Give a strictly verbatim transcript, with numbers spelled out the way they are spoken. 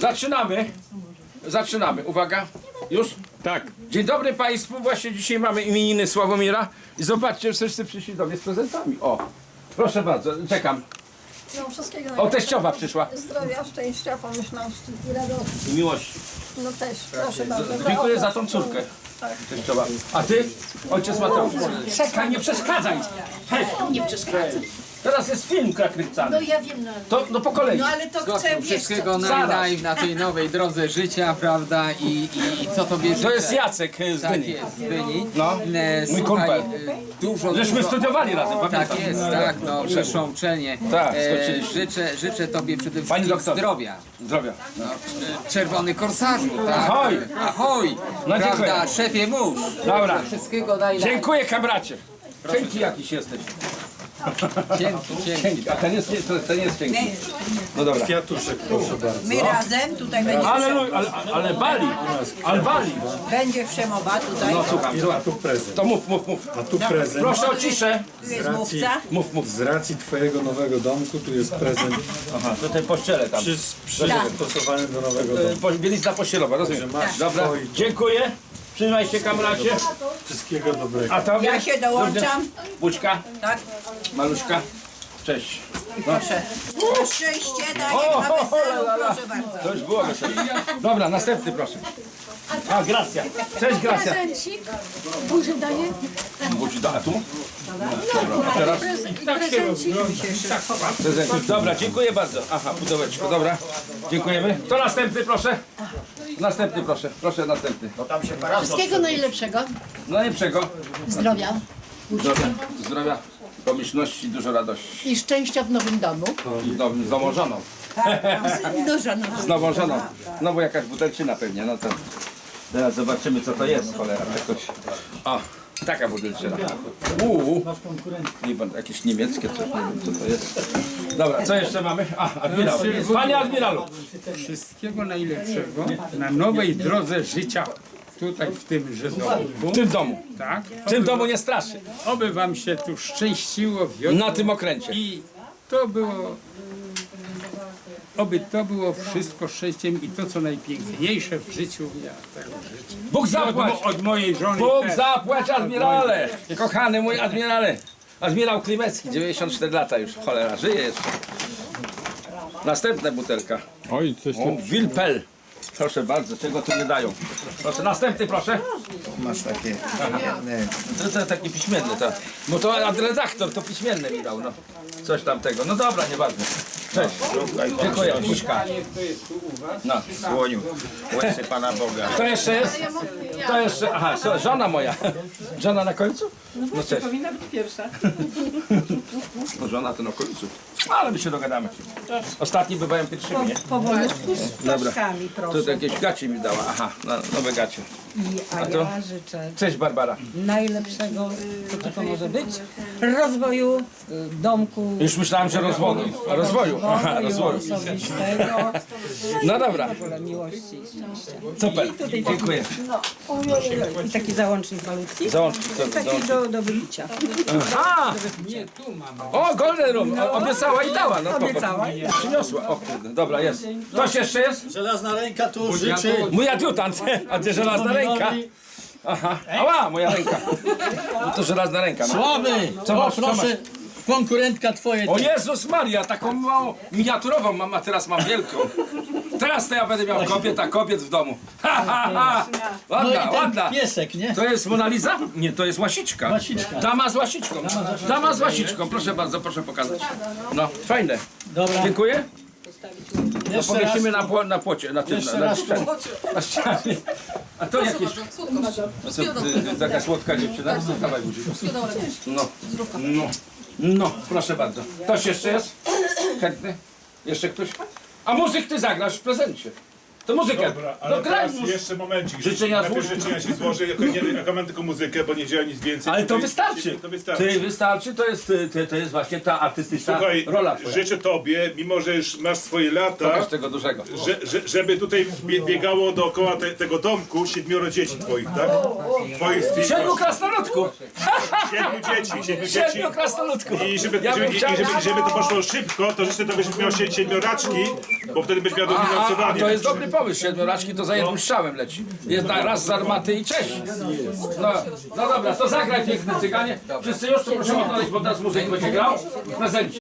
Zaczynamy. Zaczynamy. Uwaga. Już? Tak. Dzień dobry Państwu. Właśnie dzisiaj mamy imieniny Sławomira. I zobaczcie, wszyscy przyszli do mnie z prezentami. O, proszę bardzo, czekam. No, wszystkiego O, teściowa przyszła. Zdrowia, szczęścia, pomyślności i radości. I miłości. No też, proszę bardzo. Dziękuję za tą córkę. Teściowa. A ty? Ojciec Mateusz. Czekaj, nie przeszkadzaj. Hej, Nie przeszkadza. teraz jest film kręcany. No ja wiem, no, To no po kolei. no ale to chcę, wiesz co, Wszystkiego naj, Zaraz. naj na tej nowej drodze życia, prawda? I, i, i co tobie życzę? To jest Jacek z Tak Dyni. jest, z Dyni. No, E, mój słuchaj, kumpel. e, Dużo, Żeśmy dużo... studiowali razem, pamiętam. Tak jest, tak, no, wyższą uczelnię. Tak, e, skończyliśmy. życzę, życzę tobie przede Pani wszystkim doktor. zdrowia. Zdrowia. No, e, czerwony korsarzu, tak? Ahoj. Ahoj! No, Prawda, dziękuję. szefie mórz. Dobra. Wszystkiego daj daj. Dziękuję kamracie. Cienki jakiś jesteś. Dzięki, dzięki. Cienki. A ten jest, nie- to- ten jest cienki. No dobra. Kwiatuszek, proszę bardzo. My razem, tutaj będzie, Ale, ale, ale bali. Ale bali. będzie przemowa, tutaj No słucham, A słucham. tu prezent. To mów, mów, mów. A tu prezent. Proszę o ciszę. tu jest Z racji, mówca. Mów, mów. z racji twojego nowego domku, tu jest prezent Aha, to te pościele tam. przy, przystosowany do nowego E, domku. po- Bielizna pościelowa, rozumiem. masz Dobra, swój. dziękuję. Trzymaj się kamracie. Wszystkiego dobrego. A tobie? Ja się dołączam, Buźka, tak, maluszka. Cześć. proszę. Na szczęście daję O, na ho, ho, weselu, la, la. proszę bardzo. To już było wesoło. Dobra, następny proszę. A, Gracja. Cześć Gracja. prezencik, burzy daje, Budzi da, a tu? Dobra, a teraz? prezencik, Prezencik. Dobra, dziękuję bardzo. Aha, pudełeczko, dobra. Dziękujemy. To następny proszę. Następny proszę, proszę następny. wszystkiego najlepszego, Najlepszego. zdrowia Zdrowia, zdrowia, pomyślności, dużo radości. i szczęścia w nowym domu. I z nową- z nową żoną. Dużo, no. Z nową żoną. No bo jakaś butelczyna pewnie, no to teraz zobaczymy co to jest, cholera. Jakoś... O, taka butelczyna. Uuu, nie będę, jakieś niemieckie coś, nie wiem co to jest. Dobra, co jeszcze mamy? A, admirał. Panie admiralu. Wszystkiego najlepszego na nowej drodze życia tutaj w tymże domku. W tym domu. Tak? W tym domu nie straszy. Oby wam się tu szczęściło, wiodło Na tym okręcie. i to było, oby to było wszystko szczęściem i to co najpiękniejsze w życiu. Ja tego życzę. Bóg Od, zapłać! mo- od mojej żony Bóg też. zapłać admirale! Kochany mój admirale! Admirał Klimecki, dziewięćdziesiąt cztery lata już, cholera, żyje jeszcze. Następna butelka. Oj, coś O, Wilpel. Proszę bardzo, czego tu nie dają. Proszę, następny proszę. Masz takie. To, to taki piśmienny, to. Bo to ad- redaktor to piśmienny mi dał, no. Coś tam tego. No dobra, nieważne. Cześć. Dziękuję, Buźka. No. Słoniu, łysy Pana Boga. To jeszcze jest? To jeszcze, aha, so, żona moja. Żona na końcu? No cześć. Powinna być pierwsza. No żona to na końcu. Ale my się dogadamy. Ostatni bywają pierwszymi, nie? Powolutku z Dobra. ptaszkami, Tu proszę. jakieś gacie mi dała. Aha, no, nowe gacie. I, a A to? ja życzę Cześć Barbara. najlepszego, co to, to może być, rozwoju y, domku, Już myślałem, że rozwoju. Rozwoju. Aha, rozwoju. osobistego, No dobra. w ogóle miłości i szczęścia. Super. Dziękuję. I taki załącznik malutki. Załącznik. to- Taki załącznik. do, do wypicia. A! O, Golden Room. O, obiecała i dała. No, popatrz. Obiecała. Przyniosła. O kurde, dobra, jest. Ktoś jeszcze jest? Żelazna ręka tu życzy. Mój adiutant. A ty żelazna ręka. Aha. Ała, moja ręka. No to żelazna ręka. No. Sławy! Co O, masz, co masz? proszę, konkurentka twoja. O Jezus Maria, taką małą, miniaturową mam, a teraz mam wielką. Teraz to ja będę miał kobiet, a kobiet w domu. Ha, ha, ha. No i Ładna, ten ładna. piesek, nie? To jest Mona Lisa? Nie, to jest łasiczka. Łasiczka. Dama z łasiczką. Dama z łasiczką, proszę bardzo, proszę pokazać. No, fajne. Dobra, Dziękuję. To jeszcze raz. powiesimy na, pło, na płocie, na tym, Jeszcze na, na raz. ścianie. Na ścianie. A to jakieś... No co, ty, ty, taka słodka dziewczyna? Dawaj buzi. No, no, no, proszę bardzo. Ktoś jeszcze jest? Chętny? Jeszcze ktoś? A muzyk ty zagrasz w prezencie. To muzykę. Dobra, ale No graj teraz już. jeszcze momencik. Życzenia Najpierw złóż. życzenia się złożę, jako, nie, jako mam tylko muzykę, bo nie działa nic więcej. Ale to Tutaj- wystarczy. To wystarczy. Ty wystarczy, to jest, to, to jest właśnie ta artystyczna Słuchaj, rola twoja. życzę tobie, mimo że już masz swoje lata, Pokaż tego dużego. że, że, żeby tutaj bie, biegało dookoła te, tego domku siedmioro dzieci twoich, tak? Twoich Siedmiu krasnoludków! siedmiu dzieci, siedmiu dzieci. Siedmiu krasnoludków! I żeby, Ja żeby, bym i chciał- żeby, żeby to poszło szybko, to życzę tobie, żebyś miał sie- siedmioraczki, bo wtedy będziesz miał A, a, a dofinansowanie. to jest dobry pomysł, siedmioraczki to za jednym strzałem leci. Jest na raz z armaty i cześć. No, no dobra, to zagraj piękny cyganie. Wszyscy już, to proszę odnaleźć, bo teraz muzyk będzie grał. W prezencie.